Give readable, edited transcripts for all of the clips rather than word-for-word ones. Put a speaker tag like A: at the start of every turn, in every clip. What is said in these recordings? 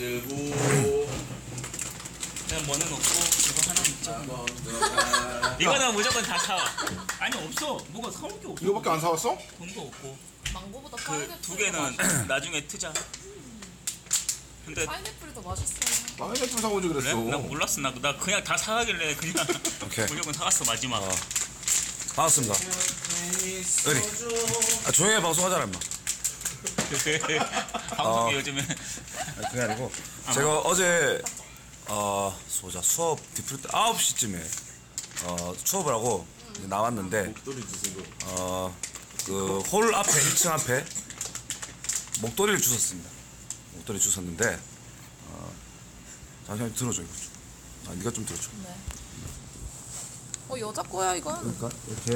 A: 만들고
B: 그냥 뭐는 없고 이거 하나 있죠. 이거는 무조건 다 사와. 아니 없어. 뭐가 사올 게 없어.
A: 이거밖에 안 사왔어?
B: 돈도 없고.
C: 망고보다
B: 그
C: 파인애플
B: 두 개는 나중에 트자. 근데
C: 파인애플이 더 맛있어요.
A: 파인애플 사오지
B: 그래?
A: 그랬어.
B: 나 몰랐어. 나 그냥 다 사가길래 그냥
D: 오케이.
B: 무조건 사갔어 마지막.
D: 반갑습니다. 의리. 조용히 방송하잖아, 임마.
B: 방송이 요즘에
D: 아니, 그게 아니고 제가 어제 소자 수업 디프리 때 9시쯤에 수업을 하고 이제 나왔는데 그 홀 앞에 1층 앞에 목도리를 주웠습니다. 목도리 주웠는데 잠시만 들어줘 이거 좀. 네가 좀 들어줘.
C: 네. 여자 거야 이건.
D: 그러니까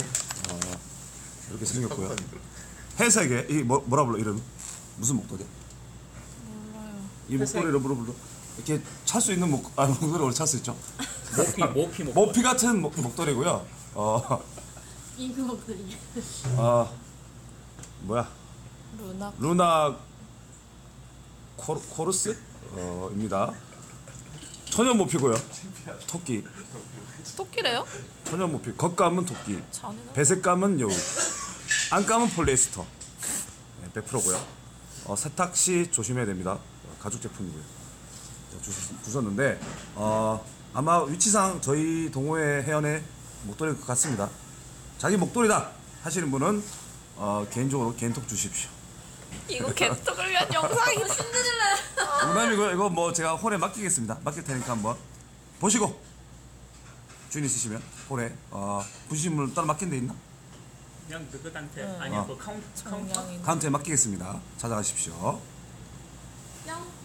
D: 이렇게 생겼고요. 회색에 이 뭐라 불러 이름? 무슨 목도리?
C: 몰라요.
D: 이 목도리를 불러 이렇게 찰 수 있는 목도리 원래 찰 수 있죠. 모피 같은 목도리고요.
C: 잉크 목도리.
D: 뭐야?
C: 루나.
D: 루나 코르스 입니다. 천연 모피고요. 토끼.
C: 토끼래요?
D: 천연 모피. 겉감은 토끼.
C: 잔인한.
D: 배색감은 여우. 안감은 폴리에스터. 네, 100%고요. 세탁 시 조심해야 됩니다. 가죽 제품이고요. 주셨는데 아마 위치상 저희 동호회 회원의 목도리일 것 같습니다. 자기 목도리다 하시는 분은 개인적으로 개인톡 주십시오.
C: 이거 개떡을 위한 영상이 신데렐라.
D: 농담이고요. 이거 뭐 제가 홀에 맡기겠습니다. 맡길 테니까 한번 보시고 주인 있으시면 홀에 부시물 따로 맡긴 데 있나?
B: 그냥 그것한테 아니야 그 카운터
D: 카운트에 맡기겠습니다. 찾아가십시오.
C: 양.